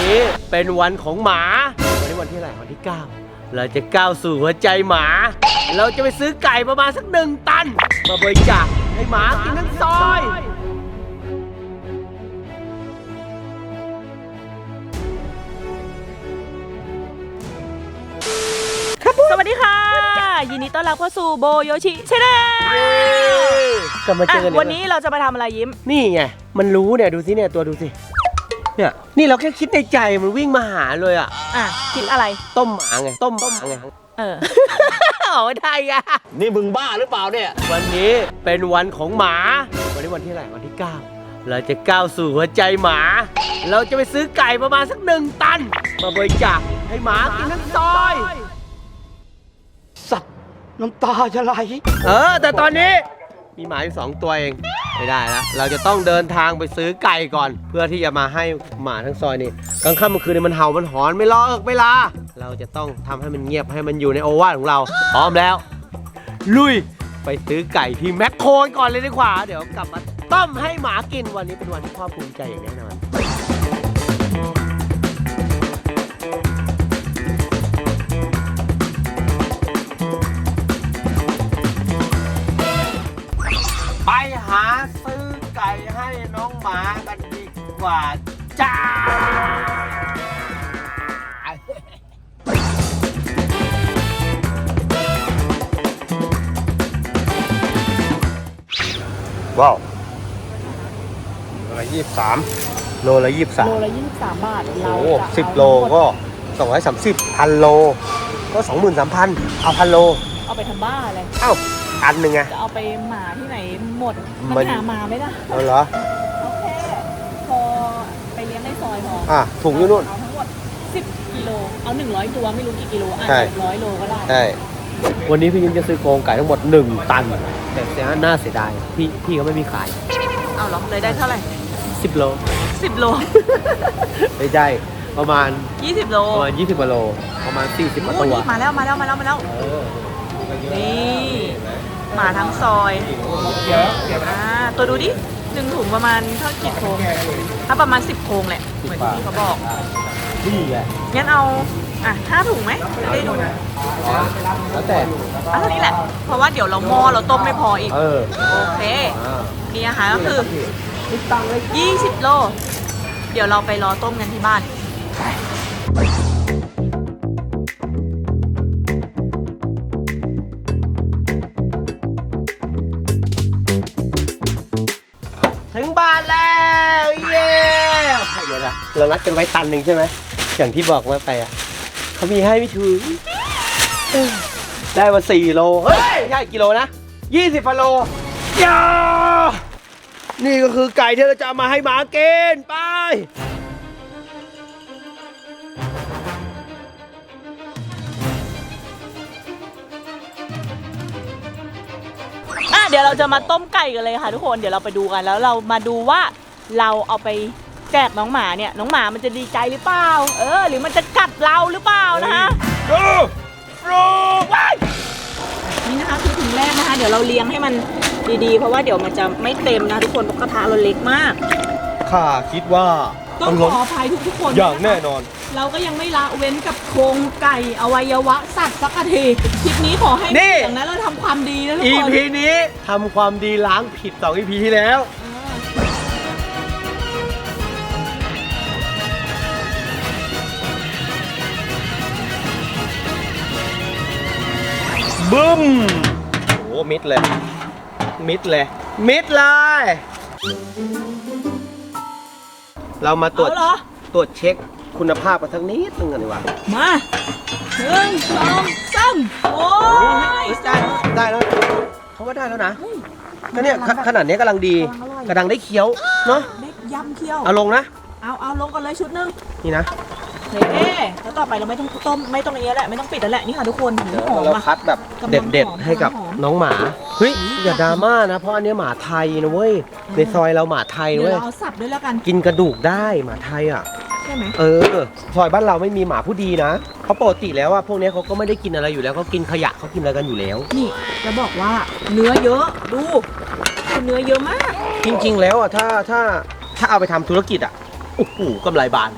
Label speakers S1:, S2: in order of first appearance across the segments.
S1: นี้เป็นวันของหมาวันนี้วันที่อะไรวันที่ 9เราจะก้าวสู่หัวใจหมาเราจะไปซื้อไก่ประมาณสัก1 ตันมาบริจาคให้หมากินทั้งซอย
S2: สวัสดีค่ะยินดีต้อนรับเข้าสู่โบโยชิชาแนล
S1: กลับมาเจอกัน
S2: วันนี้เราจะมาทำอะไรยิ้ม
S1: นี่ไงมันรู้เนี่ยดูสิเนี่ยตัวดูสิเนี่ยนี่เราแค่คิดในใจมันวิ่งมาหาเลยอ่ะ
S2: คิดอะไร
S1: ต้มหมาไงต้มหมาไงเอาได้อะ
S3: นี่มึงบ้าหรือเปล่าเนี่ย
S1: วันนี้เป็นวันของหมาวันนี้วันที่อะไรวันที่ 9เราจะก้าวสู่หัวใจหมาเราจะไปซื้อไก่ประมาณสัก1 ตันมาบริจาคให้หมากินทั้งซอย
S3: สัตว์น้ำตาจะไหล
S1: แต่ตอนนี้มีหมาอยู่2 ตัวเองไม่ได้แล้วเราจะต้องเดินทางไปซื้อไก่ก่อนเพื่อที่จะมาให้หมาทั้งซอยนี่กลางค่ำกลางคืนมันเห่ามันหอนไม่ล้อเวลาเราจะต้องทำให้มันเงียบให้มันอยู่ในโอวาทของเราพร้อมแล้วลุยไปซื้อไก่ที่แมคโครก่อนเลยดีกว่าเดี๋ยวกลับมาต้มให้หมากินวันนี้เป็นวันที่พ่อภูมิใจอย่างแน่นอนไปหาซื้อไก่ให้น้องหมากันดีกว่าจ้าว้าวโลละ23โลละ23
S2: โลละ23 บาทเรา
S1: โอ้10 โลก็230 1,000 โลก็ 23,000 เอา 1,000 โล
S2: เอาไปทำบ้าอะไร
S1: อันหนึ่งไง
S2: จะเอาไปหมาที่ไหนหมดมันหาหมาไม่ได้
S1: เหรอ
S2: โอเคพอไปเลี้ยงในซอยพอ
S1: ถุงอยู่นู่น
S2: เอาทั้งหมด10 กิโลเอา100 ตัวไม่รู้กี่กิโล100 โลก็ได้
S1: ใช่วันนี้พี่ยิ้มจะซื้อโครงไก่ทั้งหมด1 ตันแต่เสียน่าเสียดายพี่เขาไม่มีขาย
S2: เอาหรอเลยได้เท่าไหร่
S1: 10 โล
S2: 10 โล
S1: ไม่ได้ประมาณ
S2: 20 โล
S1: ประมาณ20 กว่าโลประมาณ40 กว่าตัว
S2: มาแล้วนี่หมาทั้งซอยตัวดูดิ1 ถุงประมาณเท่ากี่โครงถ้าประมาณ10 โครงแหละเหมือนที่เขาบอก
S1: นี่แหละ
S2: งั้นเอา5 ถุงไหมจะได้ดู
S1: แล้วแต่
S2: เท่านี้แหละเพราะว่าเดี๋ยวเราเราต้มไม่พออีกโอเคนี่อาหารก็คือ20 โลเดี๋ยวเราไปรอต้มกันที่บ้าน
S1: ถึงบ้านแล้วเย้เดี๋ยวนะเรานัดกันไว้1 ตันใช่ไหมอย่างที่บอกว่าไปเขามีให้ไม่ถึงได้มา4 โลเฮ้ยใช่กิโลนะ20 โลยานี่ก็คือไก่ที่เราจะเอามาให้หมากินไป
S2: เดี๋ยวเราจะมาต้มไก่กันเลยค่ะทุกคนเดี๋ยวเราไปดูกันแล้วเรามาดูว่าเราเอาไปแจกน้องหมาเนี่ยน้องหมามันจะดีใจหรือเปล่าหรือมันจะกัดเราหรือเปล่านะคะนี่นะคะคือถุงแรกนะคะเดี๋ยวเราเลี้ยงให้มันดีๆเพราะว่าเดี๋ยวมันจะไม่เต็มนะทุกคนเพราะกระทะเราเล็กมาก
S1: ข้าคิดว่า
S2: ต้องขออภัยทุกคน
S1: อย่างแน่นอน
S2: เราก็ยังไม่ละเว้นกับโครงไก่อวัยวะสัตว์สักทีคลิปนี้ขอให้อย่างนั้นเราทำความดีนะทุกคน
S1: EP นี้ทำความดีล้างผิด2 EP ที่แล้วบึ้มโอ้มิดเลยเรามาตรวจเช็คคุณภาพกันสักนิดนึงกันดีกว่า
S2: มา1 2 3โอ้ย
S1: ได้แล้วเขาว่าได้แล้วนะก็เนี่ยขนาดนี้กำลังดีกำลังได้เคี้ยวเนาะ
S2: ได้ยำเคี้ยว
S1: เอาลงนะ
S2: เอาลงก่อนเลยชุดนึง
S1: นี่นะ
S2: แล้วต่อไปเราไม่ต้องต้มไม่ต้องอย่างนี้แหละไม่ต้องปิดแล้วแหละนี่ค่ะทุกคนหอม
S1: เราคัดแบบเด็ดให้กับน้องหมาเฮ้ยอย่าดราม่านะเพราะอันนี้หมาไทยนะเว้ยในซอยเราหมาไทยเว้ย
S2: เดี๋ยวเราเอาสับด้วยแล้วกัน
S1: กินกระดูกได้หมาไทย
S2: ใช่ไหม
S1: ซอยบ้านเราไม่มีหมาผู้ดีนะเพราะปกติแล้วพวกนี้เขาก็ไม่ได้กินอะไรอยู่แล้วเขากินขยะเขากินอะไรกันอยู่แล้ว
S2: นี่จะบอกว่าเนื้อเยอะดูเนื้อเยอะมาก
S1: จริงๆแล้วถ้าเอาไปทำธุรกิจโอ้โหกำไรบานเลยนะ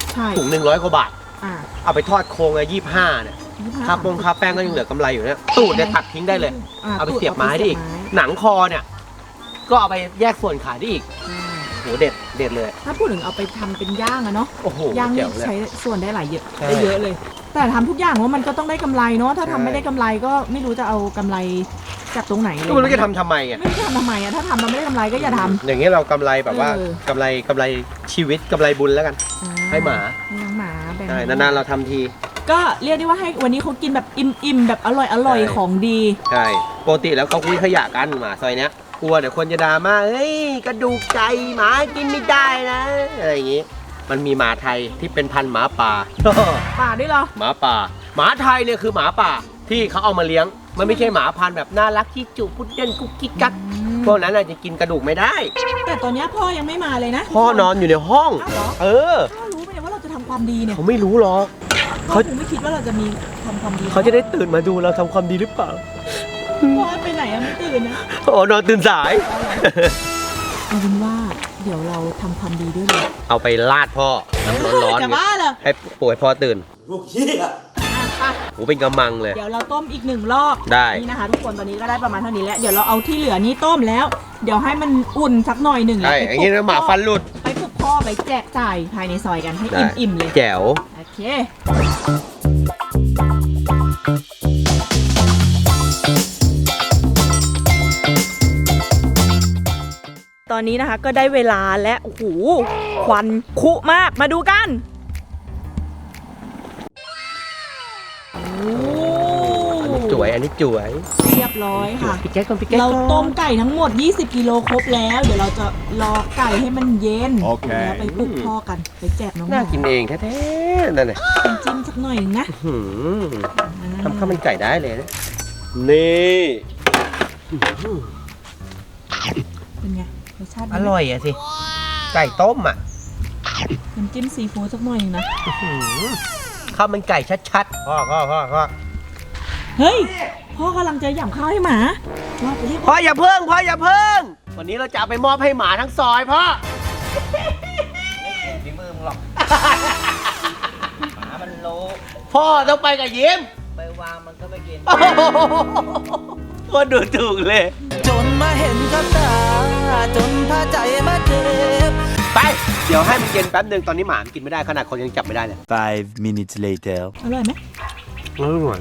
S2: ใช่
S1: ถุง100 กว่าบาท
S2: อ่า
S1: เอาไปทอดโครงเลย25เนี่ยค่าปงค่าแป้งก็ยังเหลือกำไรอยู่เนี่ยตูดเนี่ยตัดทิ้งได้เลย เอาไปเสียบไม้ได้อีก หนังคอเนี่ยก็เอาไปแยกส่วนขายได้อีกโหเด็ดเลย
S2: ถ้าพูดถึงเอาไปทำเป็นย่างอะเนาะ
S1: โอ้โห
S2: ย่าง
S1: แจ๋
S2: นี่
S1: วเลย
S2: ใช้ส่วนได้หลายเยอะ
S1: ใช่
S2: ได้เยอะเลย แต่ทำทุกอย่างว่ามันก็ต้องได้กำไรเนาะถ้าทำไม่ได้กำไรก็ไม่รู้จะเอากำไรจากตรงไหนเลย
S1: ก็ไม่รู้จะทำทำไมไง
S2: ไม่รู้จะทำทำไมอะถ้าทำเราไม่ได้กำไรก็อย่าทำ
S1: อย่างเงี้ยเรากำไรแบบว่า
S2: เออ
S1: กำไรชีวิตกำไรบุญแล้วกัน ให้หมา
S2: ให้น้องหมาแบ่ง
S1: ใช่นานๆเราทำที
S2: ก็เรียกได้ว่าให้วันนี้เขากินแบบอิ่มๆแบบอร่อย
S1: ใช่
S2: ของดี
S1: ใช่ปกติแล้วเขาคุยขยะกันหมาซอยเนี้ยกลัวเดี๋ยวคนจะด่ามาเฮ้ยกระดูกใจหมากินไม่ได้นะอะไรอย่างงี้ มันมีหมาไทยที่เป็นพันธุ์หมาป่า
S2: ป่าด้วยเหรอ
S1: หมาป่า หมาไทยเนี่ยคือหมาป่าที่เขาเอามาเลี้ยง มันไม่ใช่หมาพันธุ์แบบน่ารักที่จุพุดเดิ้ลกุ๊กกิ๊กกักพวกนั้นอาจจะกินกระดูกไม่ได้
S2: แต่ตอนเนี้ยพ่อยังไม่มาเลยนะ
S1: พ่อนอนอยู่ในห้อง
S2: อ้าวเหรอ
S1: เออ
S2: พ่อรู้ไหมเนี่ยว่าเราจะทำความดีเนี่ย
S1: เขาไม่รู้หรอก
S2: พ่อคงไม่คิดว่าเราจะมีทำความดี
S1: เขาจะได้ตื่นมาดูเราทำความดีหรือเปล่า
S2: พ่อไปไหนอะไม่ตื่นนะ
S1: โอ้นอนตื่นสาย
S2: เอาเป็นว่าเดี๋ยวเราทำความดีด้วยเลย
S1: เอาไปลาดพ่อน้ำร้อนๆ
S2: จะ
S1: เนี่ย
S2: บ้าเหรอ
S1: ให้ป่วยพ่อตื่น
S2: อ่ะไป
S1: โอ้เป็นกำมังเลย
S2: เดี๋ยวเราต้มอีก1 รอบ
S1: ได้
S2: นี่นะคะ ทุกคนตอนนี้ก็ได้ประมาณเท่านี้แล้วเดี๋ยวเราเอาที่เหลือนี้ต้มแล้ว เดี๋ยวให้มันอุ่นสักหน่อยหนึ่ง
S1: ใช่
S2: แล้ว
S1: อย่างนี้นะหมาฟันหลุด
S2: ไปปลุกพ่อไปแจกจ่ายภายในซอยกันให้
S1: ได้
S2: อิ่มๆเลย
S1: แจ๋ว
S2: โอเค ตอนนี้นะคะก็ได้เวลาและโอ้โหควันคุมากมาดูกันโอ้
S1: อันนี้จ๋วย
S2: เรียบร้อยค่ะ
S1: พี่แก๊กก่อนพี่แก๊ก
S2: เราต้มไก่ทั้งหมด 20 กิโลครบแล้ว เดี๋ยวเราจะรอไก่ให้มันเย็น
S3: โอเค
S2: แล้วไปปลุกพ่อกัน ไปแจกน้องห
S1: น่า
S2: มา
S1: กินเองแท้ๆนั่นแหละ
S2: จิ้มสักหน่อยหนึ่งนะ
S1: หืมทำข้าวมันไก่ได้เลยนะนี่
S2: เป็นไงรสชาติดี
S1: อ
S2: ไหม
S1: ร่อยอะสิ ไก่ต้มอ่ะ
S2: น้ำจิ้มซีฟู้ดสักหน่อยหนึงนะ
S1: หืมข้าวมันไก่ชัดๆพ่อ
S2: เฮ้ย พ่อกำลังจะหย่ำข้าวให้หมาว่าไปเรียก
S1: พ่ออย่าเพิ่งวันนี้เราจะเอาไปมอบให้หมาทั้งซอยพ่อ
S4: ฝีมือมึงหรอก หมามันรู้
S1: พ่อต้องไปกับยิ้ม
S4: ไปวางมันก็ไม่กิน
S1: ก็ดูถูกเลย
S4: จนมาเห็นกับตา จนพาใจมาเจ็บ
S1: ไป เดี๋ยวให้มันเย็นแป๊บนึงตอนนี้หมามันกินไม่ได้ขนาดคนยังจับไม่ได้เลย
S3: 5 minutes later
S2: อร่อยไหม
S1: อร่อย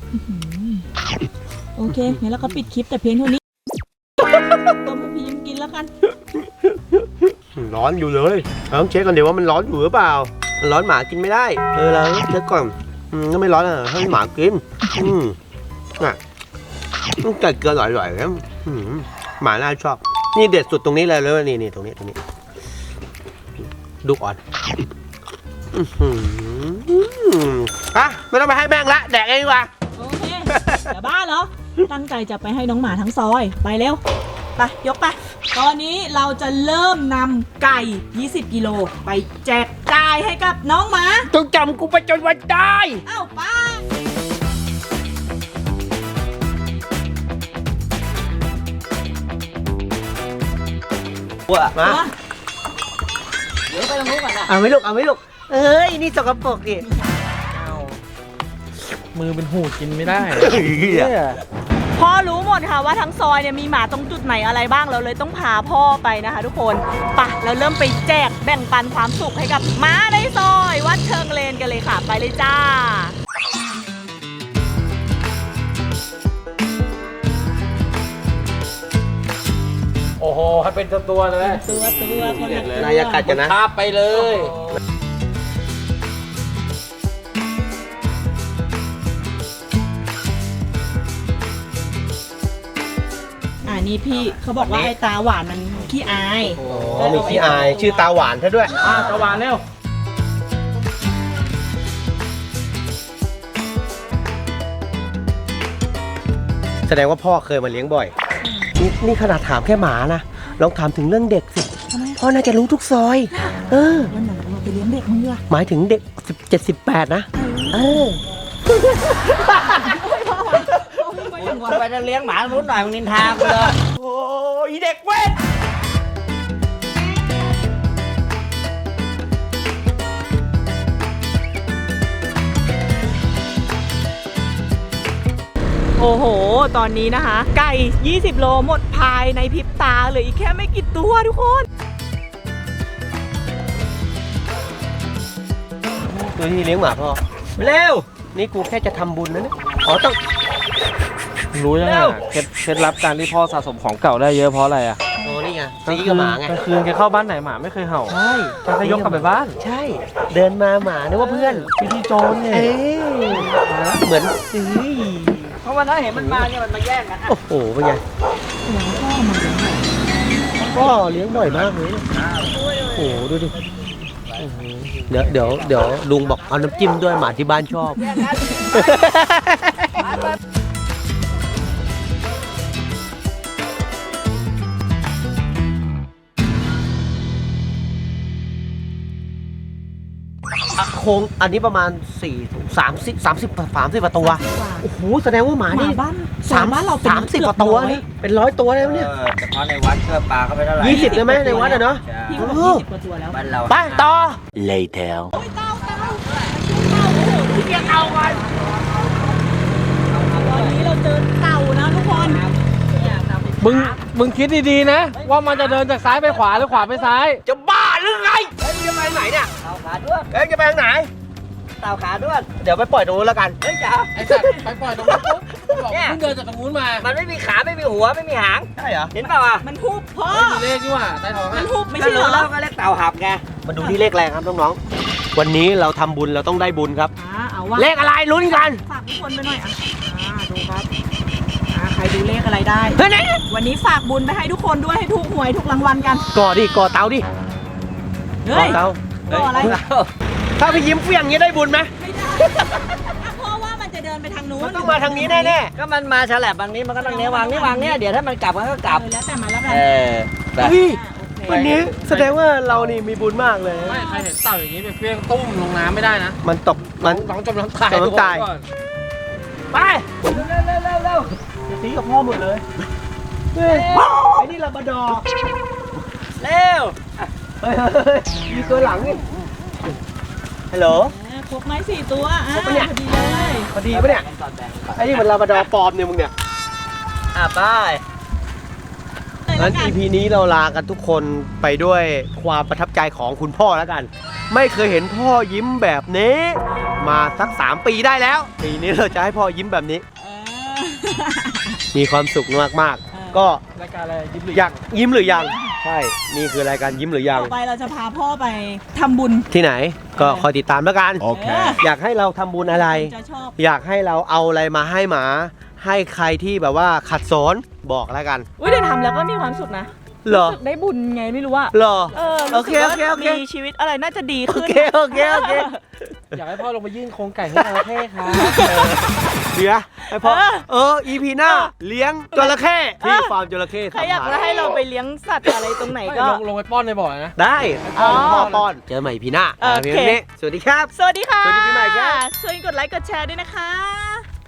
S2: โอเคงั้นเราก็ปิดคลิปแต่เพียงเท่านี้ต้มให้พี่ยิ้มกินแล้วกัน
S1: ร้อนอยู่เลยเราต้องเช็คกันเดี๋ยวว่ามันร้อนอยู่หรือเปล่า มันร้อนหมากินไม่ได้ เราเช็คก่อนก็ไม่ร้อนอ่ะให้หมากินอ่ะไก่เกลืออร่อยๆแล้วหมาน่าชอบ นี่เด็ดสุดตรงนี้เลยเลยนี่ตรงนี้ดูอ่อนอ่ะไม่ต้องไปให้แม่งละแดกเองดีกว่า
S2: โอเคอย่าบ้าเหรอ ตั้งใจจะไปให้น้องหมาทั้งซอย ไปเร็ว ไป ยกไป ตอนนี้เราจะเริ่มนำไก่ 20 กิโลไปแจกจ่ายให้กับน้องหมา
S1: ต้องจำกูไปจนวันตาย
S2: เอ้าไป้า
S1: มา
S4: เดี๋ยวไปตรงนู้นก่อนนะ
S1: เอาไหม่ลูกเอ้ยนี่สกปรกดิ
S4: เอา
S5: มือเป็นหูกินไม่ได้
S2: พ่อรู้หมดค่ะว่าทั้งซอยเนี่ยมีหมาตรงจุดไหนอะไรบ้างเราเลยต้องพาพ่อไปนะคะทุกคนไปเราเริ่มไปแจกแบ่งปันความสุขให้กับหมาในซอยวัดเชิงเลนกันเลยค่ะ ไปเลยจ้า
S5: โอ้โห ให้เป็นตัวเลย
S2: ตัวคนละตัวน
S1: ายกัดกันนะ
S5: คาบไปเลย
S2: นี่พี่เขาบอกว่าไอ้ตาหวานมันขี้อาย
S1: อ๋อมีขี้อายชื่อตาหวานซะด้วย
S5: ตะวันเร็ว
S1: แสดงว่าพ่อเคยมาเลี้ยงบ่อย นี่ขนาดถามแค่หมานะลองถามถึงเรื่องเด็กสิ
S2: ทำไม
S1: พ่อน่าจะรู้ทุกซอย
S2: วันไหนเราไปเลี้ยงเด็กมึงดีกว่า
S1: หมายถึงเด็ก17-18นะ
S4: มึงไปจะเลี้ยงหมารุ่นหน่อยมึงนินทากูเลย
S1: โอ้ยเด็กเว้ย
S2: โอ้โห ตอนนี้นะคะ ไก่ 20 โลหมดภายในพริบตาเหลืออีกแค่ไม่กี่ตัวทุกคน
S1: ดูที่เลี้ยงหมาพ่อเร็วนี่กูแค่จะทำบุญนะเนี่ยอ๋อต้อง
S5: รู้ยังไง
S1: เร็ว
S5: เคล็ดลับการที่พ่อสะสมของเก่าได้เยอะเพราะอะไรอ่ะ
S1: โอ้นี่ไงตีกับหมาไง
S5: กลางคืนแกเข้าบ้านไหนหมาไม่เคยเห่า
S1: ใช่
S5: แกก็ยกกลับไปบ้าน
S1: ใช่ เดินมาหมานึกว่าเพื่อน
S5: พี่ที่โจรเนี่ย
S1: เอ้ยเหมือนซื้อ
S3: เพราะวันนั้นเห็นมันมาเนี่ยมันมาแย่งกัน
S1: โอ้โหเป็นไงพ่อเลี้ยงบ่อยมากเลยโอ้โหดูดิเดี๋ยวลุงบอกเอาน้ำจิ้มด้วยหมาที่บ้านชอบ โครงอันนี้ประมาณ30กว่าตัว โอ้โหแสดงว่าหมานี่
S2: หมาบ้านสามบ้านเราเป็น
S1: 30กว่าตัวนี่เป็น100 ตัวแล้วเนี่ย
S3: เฉพาะในวัดก็ปลาเข้าไปเท่าไหร่
S1: 20เลยไหมในวัดอะเนาะ
S2: พี่ก็บอก20 กว่าตัวแล้ว
S3: บ้านเรา
S1: ไปต่อ
S4: Later
S2: ตอนนี้เราเจอเต่านะทุกคน
S5: มึงคิดดีๆนะ ว่ามันจะเดินจากซ้ายไปขวาหรือขวาไปซ้าย
S1: จะบ้าหรือไงเอ้ยจะไปไหนเนี่ย
S3: เต่าขาด้วน
S1: เอ้ยจะไปทางไหน
S3: เต่าขาด้วน
S1: เดี๋ยวไปปล่อยตรงนู้นแล้วกัน
S3: เฮ้ยจ๋า
S5: ไอ้สัตว์ไปปล่อยตรงนู้นปุ๊บบอกเพิ่งเดินจากตรงนู้นมา
S3: มันไม่มีขาไม่มีหัวไม่มีหาง
S1: ใช่เหรอ
S3: เห็นเปล่าอ่ะ
S2: มันหุบพ่อ
S5: ไม่มีเลขนี่หว่าใต้ท้อง
S2: มั
S5: อ่ะ
S2: นหุบไม่ใช่เหรอ
S3: แล้วก็เรียกเต่าหับไง
S1: มาดูที่เลขแรงครับน้องๆ วันนี้เราทำบุญเราต้องได้บุญครับ
S2: เอาว่า
S1: เลขอะไรลุ้นกัน
S2: ฝากทุกคนไปหน่อยดูครับใครดูเลขอะไรได้
S1: เฮ้ยไหน
S2: วันนี้ฝากบุญไปให้ทุกคนด้วยให้ถูกหวยถูกรางวัลกัน
S1: ก่อดิก่อเตาดิ
S2: เฮ้ย
S1: เตา
S2: ก่ออะไร
S1: ถ้าพี่ยิ้มเฟี้ยงอย่างนี้ได้บุญไหม
S2: ไม่ได้เพราะว่ามันจะเดินไปทางนู้น
S1: มันต้องมาทางนี้แน่
S3: ก็มันมาฉลับบางนี้มันก็ต้องเนี้ยวางนี่วางเนี่ยเดี๋ยวถ้ามันกลับมันก็กลับ
S2: แล้วแต่มันแล้วกัน
S3: แบบ
S1: ๆเฮ้ย
S2: โอเค
S1: วันนี้แสดงว่าเรานี่มีบุญมากเลย
S5: ไม่ใครเห็นเต่าอย่างนี้ไปเฟี้ยงตุ้มลงน้ำไม่ได้นะ
S1: มันตกมัน
S5: น้องจมน้ำตาย
S1: จมน้ำตาย
S5: ก่อน
S1: ไปเร็วตีกับพ่อหมดเลยเฮ้ยไอ้นี่ลาบราดอร์
S3: เร็ว
S1: เฮ้ยมีตัวหลังนี่ฮัลโหล
S2: ครบไม้4 ตัว
S1: ครบปะเนี่ย
S2: พอดีเลย
S1: พอดีปะเนี่ยไอ้นี่มันลาบราดอร์ปลอมเนี่ยมึงเนี่ย
S3: ไป
S1: งั้น EP นี้เราลากันทุกคนไปด้วยความประทับใจของคุณพ่อแล้วกัน ไม่เคยเห็นพ่อยิ้มแบบนี้ มาสัก3 ปีได้แล้ว ปีนี้เราจะให้พ่อยิ้มแบบนี้ มีความสุขมากๆ ก็
S5: รายการอะไรยิ้มหรือ
S1: อยากยิ้มหรือยัง ใช่ นี่คือรายการยิ้มหรือยัง
S2: ต่อไปเราจะพาพ่อไปทำบุญ
S1: ที่ไหนก็คอยติดตามแล้วกัน
S2: โอเค
S1: อยากให้เราทำบุญอะไร
S2: จะชอบ
S1: อยากให้เราเอาอะไรมาให้หมา ให้ใครที่แบบว่าขัดสนบอกแล้วกัน
S2: อุ้ยแต่ทำแล้วก็มีความสุขนะ
S1: เหรอ
S2: รู้สึกได้บุญไงไม่รู้อะ
S1: เหรอ โอ
S2: รู้
S1: เค
S2: สึกว่า
S1: โอเค
S2: มีชีวิตอะไรน่าจะดี
S1: โอ
S2: ขึ้น
S1: เคโอเคโอเค
S5: อยากให้พ่อลงไปยื่นโครงไก่ให้จระเข้ครับ
S1: เดี๋ยวไอพ่อEP หน้าเลี้ยงจระเข้ที่ฟาร์มจระเข้
S2: ใครอยากให้เราไปเลี้ยงสัตว์อะไรตรงไหนก็
S5: ลงไปป้อนในบ่อนะ
S1: ได้
S2: อ๋อ
S1: พ่อป้อนเจอใหม่พีหน้า
S2: โอเค
S1: พีนี้สวัสดีครับ
S2: สวัสดีค่ะ
S1: สวัสดีปีใหม่ครับ
S2: ช่วยกดไลค์กดแชร์ด้วยนะคะ